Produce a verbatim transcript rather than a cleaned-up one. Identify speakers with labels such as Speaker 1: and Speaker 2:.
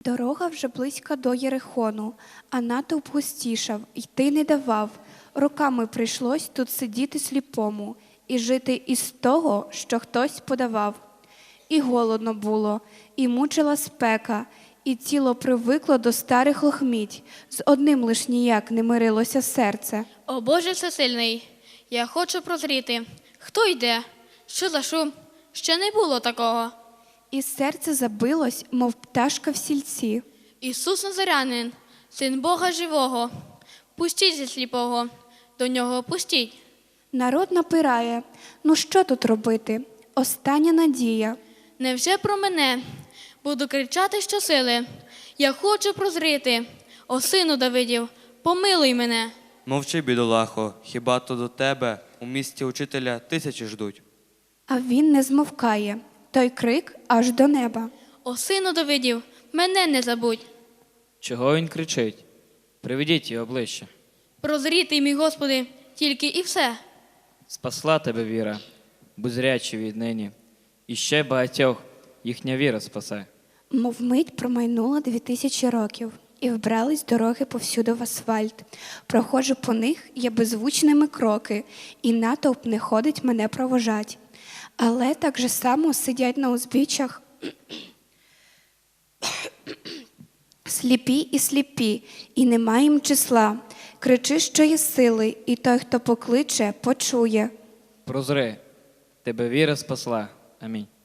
Speaker 1: Дорога вже близька до Єрихону, а натовп густішав, йти не давав. Роками прийшлось тут сидіти сліпому і жити із того, що хтось подавав. І голодно було, і мучила спека, і тіло привикло до старих лохміть. З одним лиш ніяк не мирилося серце.
Speaker 2: О Боже всесильний, я хочу прозріти. Хто йде? Що за шум? Ще не було такого.
Speaker 1: І серце забилось, мов пташка в сільці.
Speaker 2: Ісус Назарянин, Син Бога живого, пустіть зі сліпого, до нього пустіть.
Speaker 1: Народ напирає. Ну що тут робити? Остання надія.
Speaker 2: Невже про мене? Буду кричати щосили. Я хочу прозріти. О, сину Давидів, помилуй мене.
Speaker 3: Мовчи, бідолахо, хіба то до тебе у місті учителя тисячі ждуть?
Speaker 1: А він не змовкає. Той крик аж до неба.
Speaker 2: О, сину Давидів, мене не забудь.
Speaker 4: Чого він кричить? Приведіть його ближче.
Speaker 2: Прозріти, мій Господи, тільки і все.
Speaker 4: Спасла тебе віра, будь зрячий віднині. І ще багатьох їхня віра спасе.
Speaker 1: Мов мить промайнуло дві тисячі років, і вбрались дороги повсюди в асфальт. Проходжу по них я беззвучними кроки, і натовп не ходить мене провожать. Але так же само сидять на узбіччях сліпі і сліпі, і нема їм числа. Кричи, що є сили, і той, хто покличе, почує.
Speaker 4: Прозри, тебе віра спасла. Амінь.